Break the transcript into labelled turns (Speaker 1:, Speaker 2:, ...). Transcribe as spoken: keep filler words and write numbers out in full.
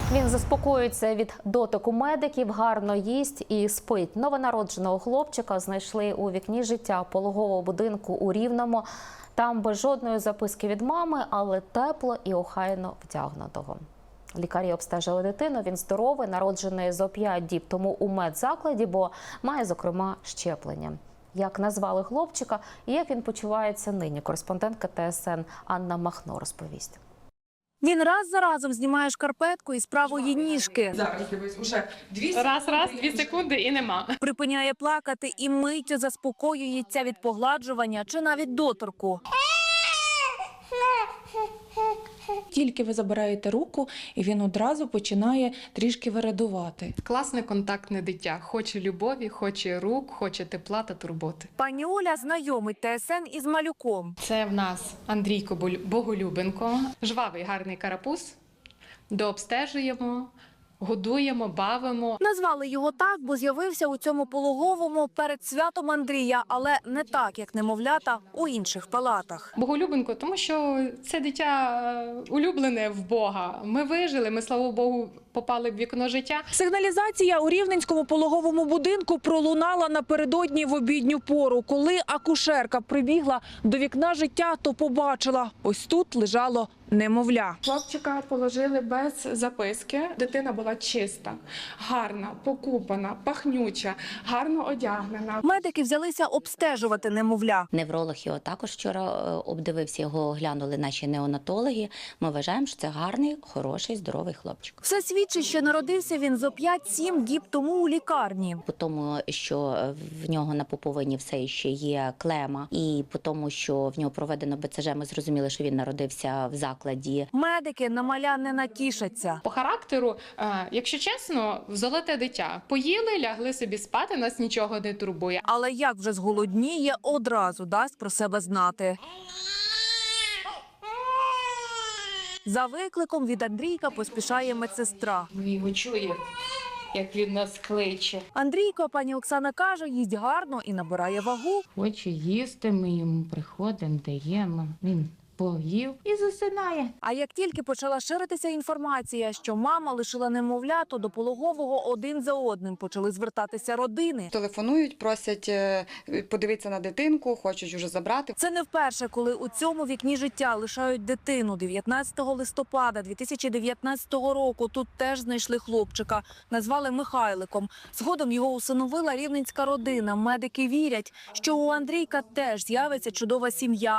Speaker 1: Він заспокоюється від дотику медиків, гарно їсть і спить. Новонародженого хлопчика знайшли у вікні життя пологового будинку у Рівному. Там без жодної записки від мами, але тепло і охайно вдягнутого. Лікарі обстежили дитину, він здоровий, народжений зо п'ять діб тому у медзакладі, бо має, зокрема, щеплення. Як назвали хлопчика і як він почувається нині, кореспондентка Т С Н Анна Махно розповість.
Speaker 2: Він раз за разом знімає шкарпетку із правої ніжки.
Speaker 3: Зараз дивись, уже дві
Speaker 4: Раз, раз, дві секунди і нема.
Speaker 2: Припиняє плакати і миттю заспокоюється від погладжування чи навіть доторку.
Speaker 3: Тільки ви забираєте руку, і він одразу починає трішки вирадувати.
Speaker 4: Класне контактне дитя. Хоче любові, хоче рук, хоче тепла та турботи.
Speaker 2: Пані Оля знайомить Т С Н із малюком.
Speaker 4: Це в нас Андрійко Боголюбенко. Жвавий, гарний карапуз. Дообстежуємо, годуємо, бавимо.
Speaker 2: Назвали його так, бо з'явився у цьому пологовому перед святом Андрія, але не так, як немовлята у інших палатах.
Speaker 4: Боголюбенко, тому що це дитя е, улюблене в Бога. Ми вижили, ми, слава Богу, попали в вікно життя.
Speaker 5: Сигналізація у Рівненському пологовому будинку пролунала напередодні в обідню пору. Коли акушерка прибігла до вікна життя, то побачила – ось тут лежало немовля.
Speaker 6: Хлопчика положили без записки. Дитина була чиста, гарна, покупана, пахнюча, гарно одягнена.
Speaker 2: Медики взялися обстежувати немовля.
Speaker 7: Невролог його також вчора е, обдивився, його оглянули наші неонатологи. Ми вважаємо, що це гарний, хороший, здоровий хлопчик.
Speaker 2: Все свідчить, що народився він зо п'ять-сім діб тому у лікарні.
Speaker 7: По тому, що в нього на пуповині все ще є клема, і по тому, що в нього проведено Б Ц Ж, ми зрозуміли, що він народився в закладі.
Speaker 2: Медики на маля не натішаться.
Speaker 4: По характеру, е, якщо чесно, золоте дитя. Поїли, лягли собі спати, нас нічого не турбує.
Speaker 2: Але як вже зголодніє, одразу дасть про себе знати. За викликом від Андрійка поспішає медсестра.
Speaker 3: Ми його чуємо, як він нас кличе.
Speaker 2: Андрійко, пані Оксана каже, їсть гарно і набирає вагу.
Speaker 8: Хоче їсти, ми йому приходимо, даємо. Він поїв і засинає.
Speaker 2: А як тільки почала ширитися інформація, що мама лишила немовля, то до пологового один за одним почали звертатися родини.
Speaker 9: Телефонують, просять е, подивитися на дитинку, хочуть вже забрати.
Speaker 2: Це не вперше, коли у цьому вікні життя лишають дитину. дев'ятнадцятого листопада дві тисячі дев'ятнадцятого року тут теж знайшли хлопчика. Назвали Михайликом. Згодом його усиновила рівненська родина. Медики вірять, що у Андрійка теж з'явиться чудова сім'я.